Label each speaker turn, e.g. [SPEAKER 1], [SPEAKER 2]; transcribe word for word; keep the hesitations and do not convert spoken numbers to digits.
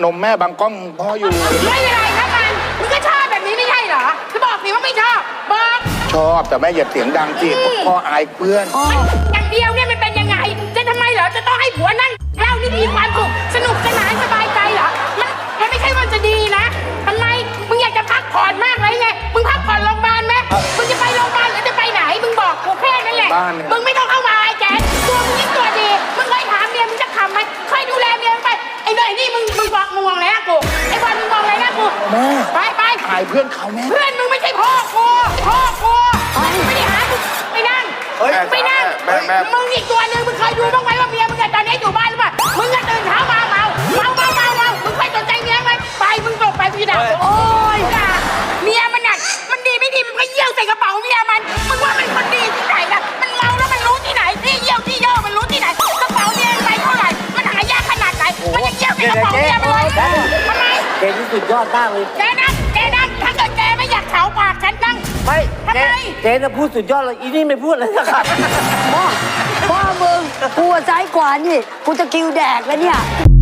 [SPEAKER 1] นมแม่บางกล้องพ่ออยู่
[SPEAKER 2] ไม่เป็นไรครับมันมึงก็ชอบแบบนี้ไม่ใช่เหรอจะบอกสิว่าไม่ชอบบอก
[SPEAKER 1] ชอบแต่แม่อย่าเสียงดังสิพ่ออายเพื่อน
[SPEAKER 2] อย่างเดียวเนี่ยมันเป็นยังไงจะทำไมเหรอจะต้องให้ผัวนั่งเล่านี่มีความสุขสนุกสนานสบายใจเหรอมันมันไม่ใช่ว่าจะดีนะทำไมมึงอยากจะพักผ่อนมากเลยไงมึงพักผ่อนโรงพยาบาลไหมมึงจะไปโรงพยาบาลหรือจะไปไหนมึงบอกกูแค่นั้นแหละมึงไม่ต้องเข้ามาไอ้แจ๊ดตัวมึงยิ่งตัวดีมึงเคยถามเมียมึงจะทำไหมเคยดูแลเมียมึงไปไอ้หน่อยนี่มึงมึงบอกมึงมองอะไรนะกูไอ้บอลมึงมองอะไรนะกู
[SPEAKER 1] แม่
[SPEAKER 2] ไปไป
[SPEAKER 1] อายเพื่อนเขาแม่
[SPEAKER 2] เพื่อนมึงไม่ใช่พ่อกูพ่อกูไม่ได้หากูไปนั่งไปนั่งมึงอีกตัวนึงมึงเคยดูบ้างไหมว่าเมียมึงตอนนี้อยู่บ้านหรือเปล่ามึงก็ตื่นเช้ามาเมาเมาเมาเมาเมามึงเคยสนใจเมียไหมไปมึงตกไปพี่ดาวโอ้ยด่าเมียมันน่ะมันดีไม่ดีมันก็เยี่ยวใส่กระเป๋าเมียมันมึงว่ามันคนดีที่ไหนล่ะมันเมาแล้วมันรู้ที่ไหนที่เยี่ยวที่ย่อมันรู้ที่ไหนกระเป๋าเมียไปเท่าไหร่มันหายากขนาดไหนมันยังเยี่ยวใส่กระเป๋าเมียมันเลยทำไม
[SPEAKER 3] เกนี่สุดยอดมากเลย
[SPEAKER 2] แกนั่งแกนั่งถ้าเกิดแกไม่อยากเฉาปากฉันนั่ง
[SPEAKER 3] ไม่เจ๊เจ๊น่ะพูดสุดยอดเลยอีนี่ไม่พูดเลยนะครับ
[SPEAKER 4] พ่อพ่อมึงกูซ้ายกว่านี่กูจะกิวแดกแล้วเนี่ย